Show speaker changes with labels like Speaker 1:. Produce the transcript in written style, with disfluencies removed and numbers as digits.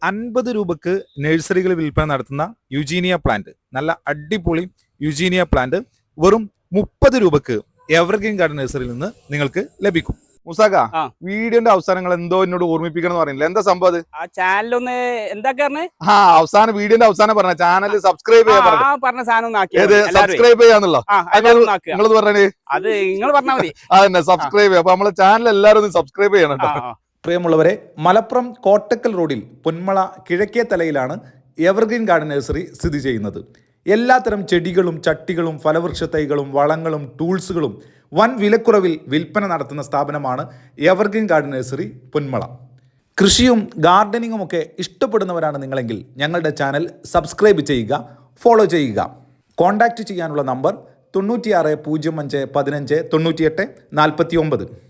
Speaker 1: 50 രൂപക്ക് നഴ്സറികൾ വിൽപ്പന നടത്തുന്ന യുജീനിയ പ്ലാന്റ്, നല്ല അടിപൊളി യുജീനിയ പ്ലാന്റ് വെറും 30 രൂപക്ക് എവർഗ്രീൻ ഗാർഡൻ നഴ്സറിയിൽ നിന്ന് നിങ്ങൾക്ക് ലഭിക്കും. മുസാക്ക, വീഡിയോന്റെ അവസാനങ്ങൾ എന്തോ എന്നോട് ഓർമ്മിപ്പിക്കണം എന്ന് പറയുന്നില്ല, എന്താ സംഭവം അത്?
Speaker 2: ആ ചാനലൊന്ന് എന്താ
Speaker 1: അവസാനം വീഡിയോന്റെ അവസാനം പറഞ്ഞ ചാനൽ സബ്സ്ക്രൈബ് ചെയ്യാൻ
Speaker 2: പറഞ്ഞ സാധനം
Speaker 1: സബ്സ്ക്രൈബ് ചെയ്യാന്നുള്ളോ നിങ്ങളത് പറഞ്ഞേ?
Speaker 2: അത് നിങ്ങൾ പറഞ്ഞാൽ മതി.
Speaker 1: അതന്നെ, സബ്സ്ക്രൈബ് ചെയ്യാം. അപ്പൊ നമ്മളെ ചാനൽ എല്ലാവരും ഒന്ന് സബ്സ്ക്രൈബ് ചെയ്യണം കേട്ടോ.
Speaker 3: പ്രിയമുള്ളവരെ, മലപ്പുറം കോട്ടക്കൽ റോഡിൽ പൊന്മള കിഴക്കേ തലയിലാണ് എവർഗ്രീൻ ഗാർഡൻ നഴ്സറി സ്ഥിതി ചെയ്യുന്നത്. എല്ലാത്തരം ചെടികളും ചട്ടികളും ഫലവൃക്ഷ തൈകളും വളങ്ങളും ടൂൾസുകളും വൻ വിലക്കുറവിൽ വിൽപ്പന നടത്തുന്ന സ്ഥാപനമാണ് എവർഗ്രീൻ ഗാർഡൻ നഴ്സറി പൊന്മള. കൃഷിയും ഗാർഡനിങ്ങും ഒക്കെ ഇഷ്ടപ്പെടുന്നവരാണ് നിങ്ങളെങ്കിൽ ഞങ്ങളുടെ ചാനൽ സബ്സ്ക്രൈബ് ചെയ്യുക, ഫോളോ ചെയ്യുക. കോൺടാക്റ്റ് ചെയ്യാനുള്ള നമ്പർ 96 05 15 98 49.